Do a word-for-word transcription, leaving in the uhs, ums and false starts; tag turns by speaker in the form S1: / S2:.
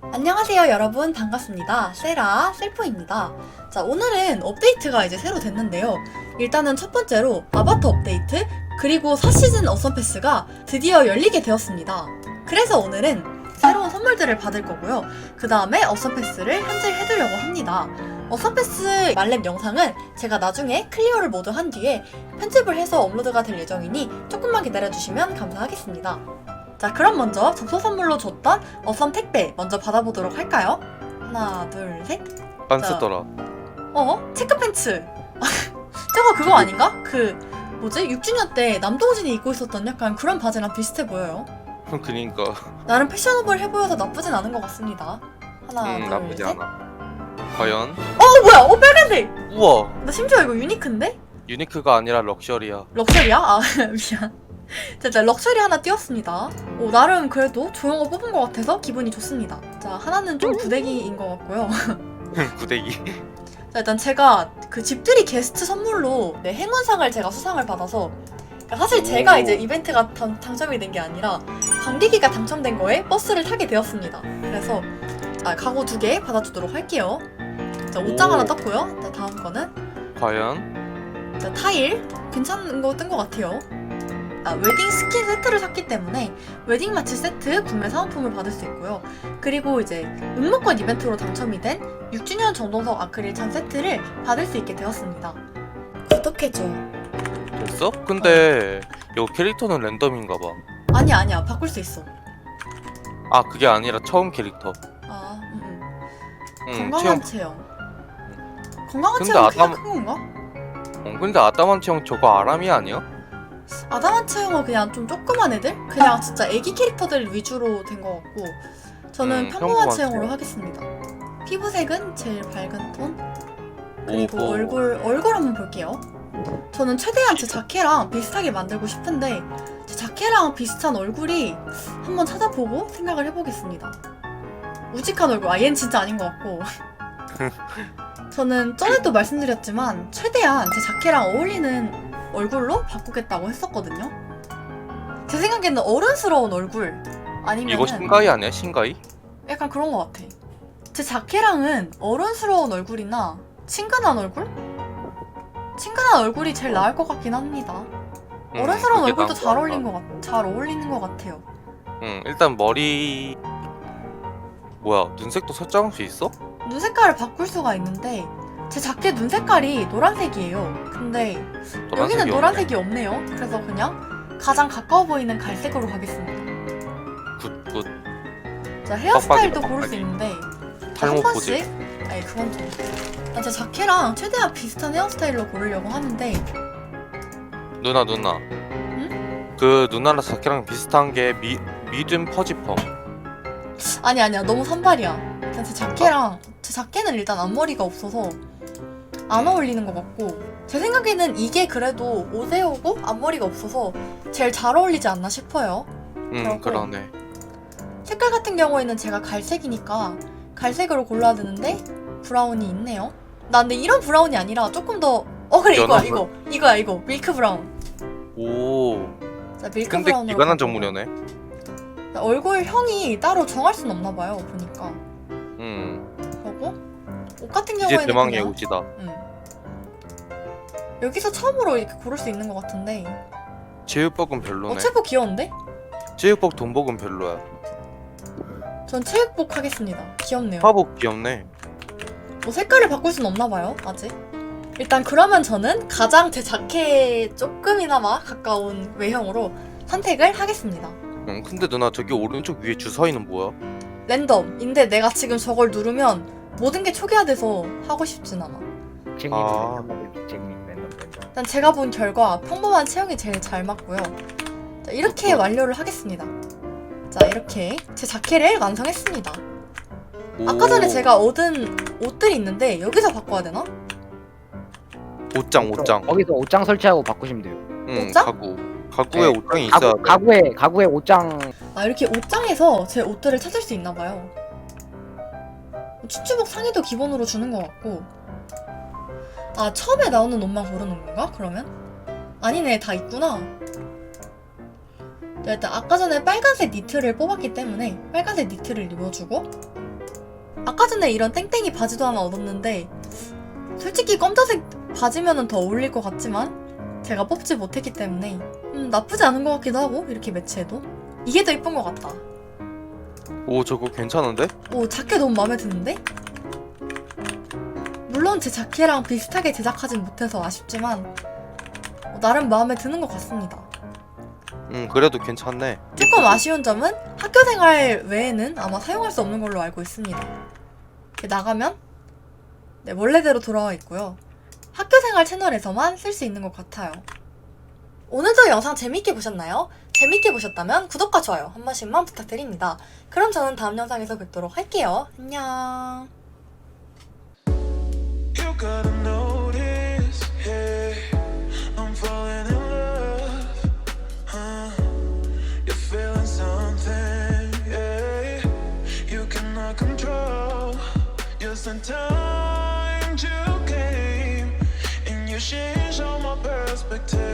S1: 안녕하세요 여러분, 반갑습니다. 세라 셀프입니다. 자, 오늘은 업데이트가 이제 새로 됐는데요. 일단은 첫 번째로 아바타 업데이트, 그리고 사 시즌 어썸 패스가 드디어 열리게 되었습니다. 그래서 오늘은 새로운 선물들을 받을 거고요. 그 다음에 어썸 패스를 현질해두려고 합니다. 어썸 패스 말렙 영상은 제가 나중에 클리어를 모두 한 뒤에 편집을 해서 업로드가 될 예정이니 조금만 기다려주시면 감사하겠습니다. 자, 그럼 먼저 접속 선물로 줬던 어썸 택배 먼저 받아보도록 할까요? 하나, 둘, 셋.
S2: 안
S1: 자.
S2: 쓰더라.
S1: 어? 체크팬츠. 저거 그거 아닌가? 그 뭐지? 육 주년 때 남동진이 입고 있었던 약간 그런 바지랑 비슷해 보여요.
S2: 그니까.
S1: 나름 패셔너블해 보여서 나쁘진 않은 것 같습니다. 하나,
S2: 음
S1: 둘,
S2: 나쁘지
S1: 셋.
S2: 않아. 과연?
S1: 어, 뭐야? 어, 빨간색!
S2: 우와.
S1: 나 심지어 이거 유니크인데?
S2: 유니크가 아니라 럭셔리야.
S1: 럭셔리야? 아, 미안. 자, 자, 럭셔리 하나 띄웠습니다. 오, 나름 그래도 좋은 거 뽑은 것 같아서 기분이 좋습니다. 자, 하나는 좀 구데기인 것 같고요.
S2: 구데기.
S1: 자, 일단 제가 그 집들이 게스트 선물로 네, 행운상을 제가 수상을 받아서, 그러니까 사실 제가
S2: 오.
S1: 이제 이벤트가 당, 당첨이 된 게 아니라 관객이가 당첨된 거에 버스를 타게 되었습니다. 그래서 아, 가구 두 개 받아주도록 할게요. 자, 옷장
S2: 오.
S1: 하나 떴고요. 자, 다음 거는
S2: 과연?
S1: 자, 타일 괜찮은 거 뜬 것 같아요. 아, 웨딩 스킨 세트를 샀기 때문에 웨딩 마치 세트 구매 사은품을 받을 수 있고요. 그리고 이제 응모권 이벤트로 당첨이 된 육 주년 정동석 아크릴 창 세트를 받을 수 있게 되었습니다. 구독해줘.
S2: 됐어? 근데 이 캐릭터는 랜덤인가 봐.
S1: 아니야, 아니야, 바꿀 수 있어.
S2: 아 그게 아니라 처음 캐릭터.
S1: 아, 음, 음.
S2: 응,
S1: 건강한
S2: 체험.
S1: 체형. 건강한
S2: 근데
S1: 체형
S2: 아담-
S1: 크게 큰 건가?
S2: 어, 근데 아담한 체형 저거 아람이 아니야?
S1: 아담한 체형은 그냥 좀 조그만 애들? 그냥 진짜 애기 캐릭터들 위주로 된 것 같고, 저는
S2: 음,
S1: 평범한
S2: 평범한
S1: 체형으로
S2: 체형.
S1: 하겠습니다. 피부색은 제일 밝은 톤. 그리고
S2: 오호.
S1: 얼굴 얼굴 한번 볼게요. 저는 최대한 제 자켓랑 비슷하게 만들고 싶은데 제 자켓랑 비슷한 얼굴이 한번 찾아보고 생각을 해보겠습니다. 우직한 얼굴, 아 얘는 진짜 아닌 것 같고. 저는 전에도 말씀드렸지만 최대한 제 자켓랑 어울리는 얼굴로 바꾸겠다고 했었거든요. 제 생각에는 어른스러운 얼굴 아니면
S2: 이거 신가이 아니야? 신가이?
S1: 약간 그런 것 같아. 제 자켓랑은 어른스러운 얼굴이나 친근한 얼굴? 친근한 얼굴이 제일 나을 것 같긴 합니다.
S2: 음,
S1: 어른스러운
S2: 그게
S1: 얼굴도
S2: 나은
S1: 잘
S2: 것
S1: 어울린
S2: 같다.
S1: 것 같, 잘 어울리는 것 같아요.
S2: 응 일단 머리 뭐야 눈색도 설정할 수 있어?
S1: 눈 색깔을 바꿀 수가 있는데 제 자켓 눈 색깔이 노란색이에요. 근데 여기는
S2: 노란색이
S1: 노란색이 없네요. 그래서 그냥 가장 가까워 보이는 갈색으로 가겠습니다.
S2: 굿굿.
S1: 자, 헤어스타일도
S2: 빡빡이다,
S1: 고를 수
S2: 빡빡이.
S1: 있는데
S2: 탈모
S1: 한
S2: 포즈.
S1: 번씩? 아니 그건 좀. 난 제 자켓랑 최대한 비슷한 헤어스타일로 고르려고 하는데
S2: 누나 누나. 그 누나랑 자켓랑 비슷한 게 미, 미든 퍼지펌.
S1: 아니 아니야, 너무 산발이야. 일단 제 자켓랑 제 자켓은 일단 앞머리가 없어서 안 어울리는 것 같고, 제 생각에는 이게 그래도 옷에 오고 앞머리가 없어서 제일 잘 어울리지 않나 싶어요.
S2: 응
S1: 그러고.
S2: 그러네.
S1: 색깔 같은 경우에는 제가 갈색이니까 갈색으로 골라야 되는데 브라운이 있네요. 나 근데 이런 브라운이 아니라 조금 더, 어 그래 이거야,
S2: 연한
S1: 이거 이거야 이거 밀크 브라운.
S2: 오.
S1: 자, 밀크
S2: 근데
S1: 브라운으로
S2: 기관한
S1: 가고.
S2: 전문이네.
S1: 얼굴형이 따로 정할 순 없나 봐요, 보니까.
S2: 응.
S1: 그리고 옷 같은
S2: 이제
S1: 경우에는
S2: 대망의
S1: 그냥
S2: 옷이다.
S1: 응. 여기서 처음으로 이렇게 고를 수 있는 것 같은데
S2: 제육볶음 별로네.
S1: 어, 체복 귀여운데?
S2: 제육볶 돈복은 별로야.
S1: 전 체육복 하겠습니다. 귀엽네요.
S2: 화복 귀엽네.
S1: 뭐 색깔을 바꿀 순 없나 봐요, 아직. 일단 그러면 저는 가장 제 자켓에 조금이나마 가까운 외형으로 선택을 하겠습니다.
S2: 응 근데 누나 저기 오른쪽 위에 주사위는 뭐야?
S1: 랜덤인데 내가 지금 저걸 누르면 모든 게 초기화돼서 하고 싶진 않아.
S3: 쟁이
S2: 아.
S3: 랜덤 쟁이 랜덤 랜덤.
S1: 일단 제가 본 결과 평범한 체형이 제일 잘 맞고요. 자, 이렇게
S2: 그렇구나.
S1: 완료를 하겠습니다. 자, 이렇게 제 자켓을 완성했습니다.
S2: 오.
S1: 아까 전에 제가 얻은 옷들이 있는데 여기서 바꿔야 되나?
S2: 옷장 옷장.
S3: 거기서 옷장 설치하고 바꾸시면 돼요.
S2: 응
S1: 옷장?
S2: 가구. 가구에
S3: 네,
S2: 옷장이 있어야
S3: 가구,
S2: 돼.
S3: 가구에 가구에 옷장.
S1: 아, 이렇게 옷장에서 제 옷들을 찾을 수 있나 봐요. 추추복 상의도 기본으로 주는 것 같고. 아, 처음에 나오는 옷만 고르는 건가? 그러면? 아니네, 다 있구나. 자, 일단 아까 전에 빨간색 니트를 뽑았기 때문에 빨간색 니트를 입어주고, 아까 전에 이런 땡땡이 바지도 하나 얻었는데 솔직히 검정색 바지면은 더 어울릴 것 같지만 제가 뽑지 못했기 때문에 음, 나쁘지 않은 것 같기도 하고, 이렇게 매치해도 이게 더 이쁜 것 같다.
S2: 오 저거 괜찮은데?
S1: 오, 자켓 너무 마음에 드는데? 물론 제 자켓랑 비슷하게 제작하진 못해서 아쉽지만 어, 나름 마음에 드는 것 같습니다.
S2: 음 그래도 괜찮네.
S1: 조금 아쉬운 점은 학교생활 외에는 아마 사용할 수 없는 걸로 알고 있습니다. 이렇게 나가면 네, 원래대로 돌아와 있고요. 학교생활 채널에서만 쓸 수 있는 것 같아요. 오늘도 영상 재밌게 보셨나요? 재밌게 보셨다면 구독과 좋아요 한 번씩만 부탁드립니다. 그럼 저는 다음 영상에서 뵙도록 할게요. 안녕.
S4: You gotta notice, hey, I'm falling in love, huh? You're feeling something, yeah. You cannot control. Just in time you came, and you changed all my perspective.